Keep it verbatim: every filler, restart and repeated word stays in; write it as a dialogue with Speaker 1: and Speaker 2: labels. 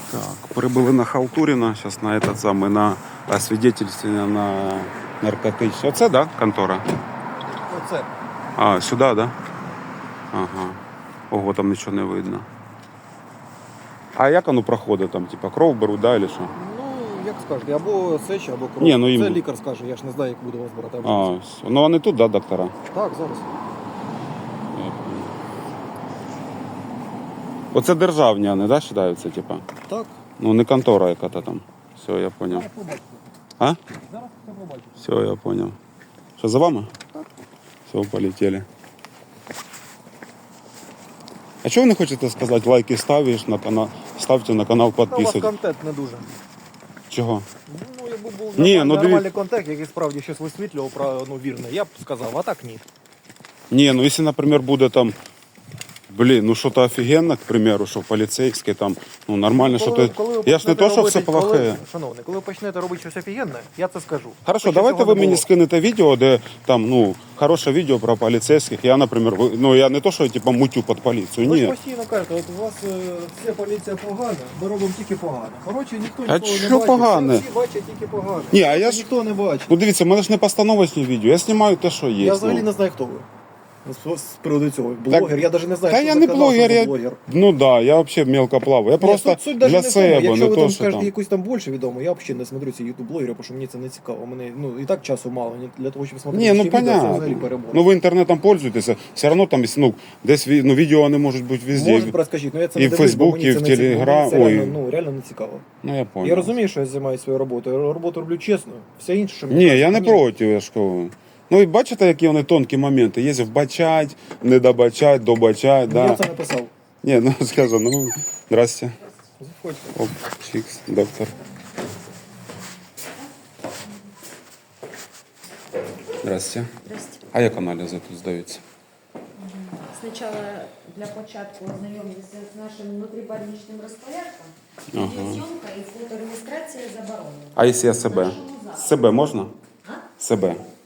Speaker 1: Так, прибыли на Халтуріна, зараз на этот самий, на освідетельствення на наркотичні. Оце, да, контора?
Speaker 2: Оце.
Speaker 1: А, сюди, да? Ага. Ого, там нічого не видно. А як воно проходить там, типа кров беруть, да, или що?
Speaker 2: Ну, як скажете, або сеча, або кров.
Speaker 1: Ні, ну, їм-
Speaker 2: Це лікар скаже, я ж не знаю, як буду вас брати.
Speaker 1: А, все. Ну вони тут, да, доктора?
Speaker 2: Так, зараз.
Speaker 1: Оце державні вони, да, вважаються, типа?
Speaker 2: Так.
Speaker 1: Ну не контора яка-то там. Все, я понял.
Speaker 2: Зараз побачите.
Speaker 1: А?
Speaker 2: Зараз все побачите.
Speaker 1: Все, я понял. Что, за вами?
Speaker 2: Так.
Speaker 1: Все, полетели. А чого ви не хочете сказати, лайки ставиш на канал, ставте на канал,
Speaker 2: Та у вас
Speaker 1: підписуйтесь?
Speaker 2: контент не дуже.
Speaker 1: Чого?
Speaker 2: Ну, якби був
Speaker 1: Ні,
Speaker 2: нормальний,
Speaker 1: ну, диві-
Speaker 2: нормальний контент, який справді щось висвітлював про ну, вірне, я б сказав, а так ні.
Speaker 1: Не, ну если, например, буде там, блин, ну что-то офигенно, к примеру, что полицейский там, ну нормально, что то
Speaker 2: ви
Speaker 1: Я ж не
Speaker 2: почнете
Speaker 1: то, що
Speaker 2: робити-
Speaker 1: все плохе.
Speaker 2: Коли, шановний, коли ви почнете робити щось офігенне, я це скажу.
Speaker 1: Хорошо,
Speaker 2: Хоч
Speaker 1: давайте
Speaker 2: цього
Speaker 1: ви
Speaker 2: не
Speaker 1: мені
Speaker 2: було.
Speaker 1: скинете відео, де там, ну, хороше відео про поліцейських. Я, наприклад, ви- ну я не то, що я типа мутю під поліцію.
Speaker 2: Ви ж
Speaker 1: Ні.
Speaker 2: постійно кажете, от у вас е, вся поліція погана, ми робимо тільки погано. Коротше, ніхто
Speaker 1: А
Speaker 2: ніколи не
Speaker 1: що
Speaker 2: бачить,
Speaker 1: погане?
Speaker 2: всі бачать тільки погано.
Speaker 1: Ні, а я ж-
Speaker 2: Ніхто не бачить.
Speaker 1: Ну дивіться, в мене ж не постановочні відео, я знімаю те, що є.
Speaker 2: Я взагалі
Speaker 1: ну.
Speaker 2: не знаю, хто ви. З, з приводу цього. Блогер, я навіть не знаю,
Speaker 1: Та
Speaker 2: що
Speaker 1: я
Speaker 2: за
Speaker 1: не
Speaker 2: канал,
Speaker 1: блогер,
Speaker 2: що за
Speaker 1: я,
Speaker 2: блогер.
Speaker 1: ну да, я взагалі мелко плаваю. Я
Speaker 2: Ні,
Speaker 1: просто
Speaker 2: суть, суть даже
Speaker 1: для
Speaker 2: не в тому.
Speaker 1: себе,
Speaker 2: Якщо
Speaker 1: не
Speaker 2: ви
Speaker 1: то,
Speaker 2: там
Speaker 1: що
Speaker 2: скажете
Speaker 1: там.
Speaker 2: якусь там більше відомо, я взагалі не смотрю ці ютуб блогери, тому що мені це не цікаво. Мене ну і так часу мало. Мені для того, щоб смотрети
Speaker 1: Ні, ну
Speaker 2: ще відео, це взагалі
Speaker 1: понятно.
Speaker 2: перебор.
Speaker 1: Ну ви інтернетом пользуєтеся, все одно там, ну, десь ві- ну, відео вони можуть бути везде.
Speaker 2: Може, розкажіть, ну я це
Speaker 1: і
Speaker 2: не
Speaker 1: в
Speaker 2: дивлюсь, бо
Speaker 1: Фейсбук,
Speaker 2: мені
Speaker 1: і
Speaker 2: це
Speaker 1: в
Speaker 2: не цікаво.
Speaker 1: Телеграм,
Speaker 2: Мені це реально,
Speaker 1: ой.
Speaker 2: ну, реально не цікаво.
Speaker 1: Ну я понял.
Speaker 2: Я розумію, що я займаюся своєю роботою. Роботу роблю чесно. Все інше, що
Speaker 1: Ні, я не
Speaker 2: ні.
Speaker 1: проти, я ж кажу. Ну і бачите, які вони тонкі моменти. Є вбачать, не добачать, добачать,
Speaker 2: Я
Speaker 1: да.
Speaker 2: це написав.
Speaker 1: Ні, ну скажу, ну, здрасте.
Speaker 2: Заходьте.
Speaker 1: Оп, чикс, доктор. Здрасте.
Speaker 3: Здрасте.
Speaker 1: А як аналізи тут здаються?
Speaker 3: Сначала для початку ознайомитися з нашим внутрібольничним розпорядком.
Speaker 1: Ага.
Speaker 3: Відеозйомка і фотореєстрація заборонена.
Speaker 1: А якщо я себе?
Speaker 3: Нашому закладу.
Speaker 1: Себе можна?
Speaker 3: А?
Speaker 1: Себе.